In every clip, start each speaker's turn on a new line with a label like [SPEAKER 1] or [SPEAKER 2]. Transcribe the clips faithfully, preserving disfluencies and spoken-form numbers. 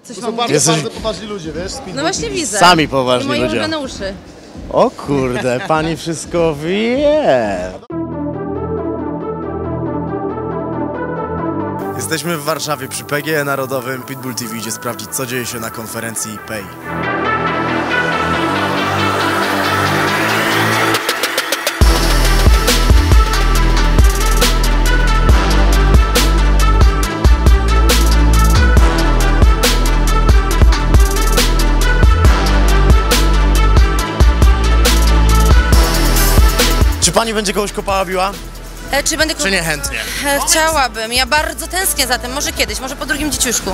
[SPEAKER 1] Coś
[SPEAKER 2] To
[SPEAKER 1] wam
[SPEAKER 2] są bardzo,
[SPEAKER 1] mówić?
[SPEAKER 2] bardzo poważni ludzie, wiesz?
[SPEAKER 1] No właśnie widzę.
[SPEAKER 3] Sami
[SPEAKER 1] I
[SPEAKER 3] poważni
[SPEAKER 1] moje
[SPEAKER 3] ludzie.
[SPEAKER 1] ulubione uszy.
[SPEAKER 3] O kurde, pani wszystko wie. Jesteśmy w Warszawie przy P G E Narodowym. Pitbull T V idzie sprawdzić, co dzieje się na konferencji Pay. Czy pani będzie kogoś kopała, biła?
[SPEAKER 1] E, czy będę...
[SPEAKER 3] Czy nie chętnie?
[SPEAKER 1] E, chciałabym. Ja bardzo tęsknię za tym. Może kiedyś, może po drugim dzieciuszku.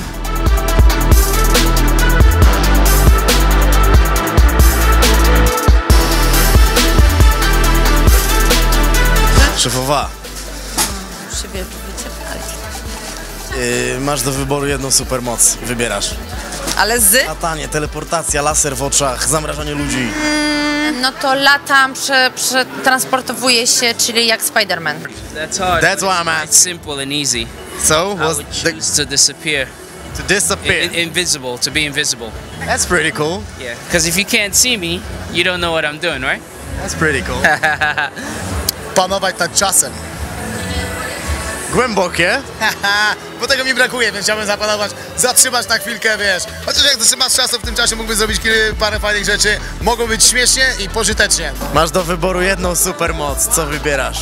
[SPEAKER 3] Szefowa,
[SPEAKER 1] Już się wie- wycierpali.
[SPEAKER 3] yy, masz do wyboru jedną supermoc. Wybierasz.
[SPEAKER 1] Ale z?
[SPEAKER 3] Latanie, teleportacja, laser w oczach, zamrażanie ludzi.
[SPEAKER 1] No to latam, prze, przetransportowuję się, czyli jak Spider-Man.
[SPEAKER 4] That's hard.
[SPEAKER 3] That's why I'm
[SPEAKER 4] It's
[SPEAKER 3] asking.
[SPEAKER 4] simple and easy.
[SPEAKER 3] So,
[SPEAKER 4] I
[SPEAKER 3] was
[SPEAKER 4] would
[SPEAKER 3] the,
[SPEAKER 4] choose to disappear.
[SPEAKER 3] to disappear.
[SPEAKER 4] I- invisible, to be invisible.
[SPEAKER 3] That's pretty cool.
[SPEAKER 4] Yeah. Because if you can't see me, you don't know what I'm doing, right?
[SPEAKER 3] That's pretty cool.
[SPEAKER 2] Panować nad czasem.
[SPEAKER 3] Głębokie.
[SPEAKER 2] Bo tego mi brakuje, więc chciałbym zapanować, zatrzymać na chwilkę, wiesz. Chociaż jak zatrzymasz czasu, w tym czasie mógłbyś zrobić kilka, parę fajnych rzeczy. Mogą być śmiesznie i pożytecznie.
[SPEAKER 3] Masz do wyboru jedną supermoc. Co wybierasz?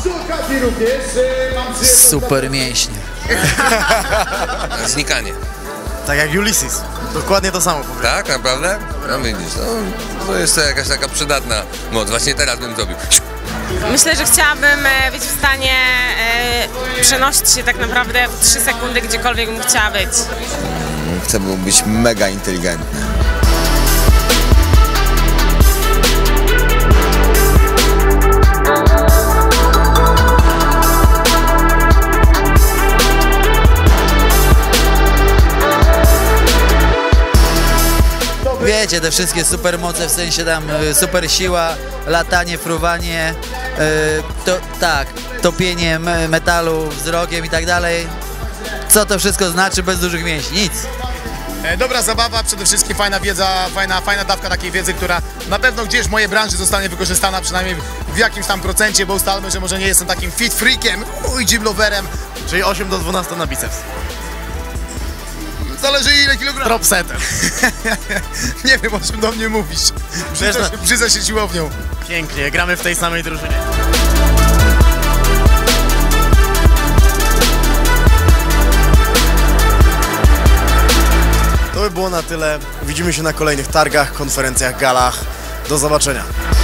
[SPEAKER 5] Super mięśnie.
[SPEAKER 6] Znikanie.
[SPEAKER 3] Tak jak Ulysses. Dokładnie to samo powiedział.
[SPEAKER 6] Tak, naprawdę? No widzisz, no, to jest to jakaś taka przydatna moc. Właśnie teraz bym zrobił.
[SPEAKER 7] Myślę, że chciałabym e, być w stanie e, przenosić się tak naprawdę w trzy sekundy gdziekolwiek bym chciała być.
[SPEAKER 8] Chcę być mega inteligentny.
[SPEAKER 5] Wiecie, te wszystkie supermoce, w sensie tam y, super siła, latanie, fruwanie, y, to, tak, topienie me- metalu wzrokiem i tak dalej. Co to wszystko znaczy bez dużych mięśni? Nic.
[SPEAKER 2] E, dobra zabawa, przede wszystkim fajna wiedza, fajna, fajna dawka takiej wiedzy, która na pewno gdzieś w mojej branży zostanie wykorzystana, przynajmniej w jakimś tam procencie, bo ustalmy, że może nie jestem takim fit freakiem, uj, gym loverem.
[SPEAKER 3] Czyli osiem do dwunastu na biceps.
[SPEAKER 2] Zależy ile kilogramów.
[SPEAKER 3] Drop setem.
[SPEAKER 2] Nie wiem, o czym do mnie mówisz. Brzydzę się, brzydzę się siłownią.
[SPEAKER 3] Pięknie, gramy w tej samej drużynie. To by było na tyle. Widzimy się na kolejnych targach, konferencjach, galach. Do zobaczenia.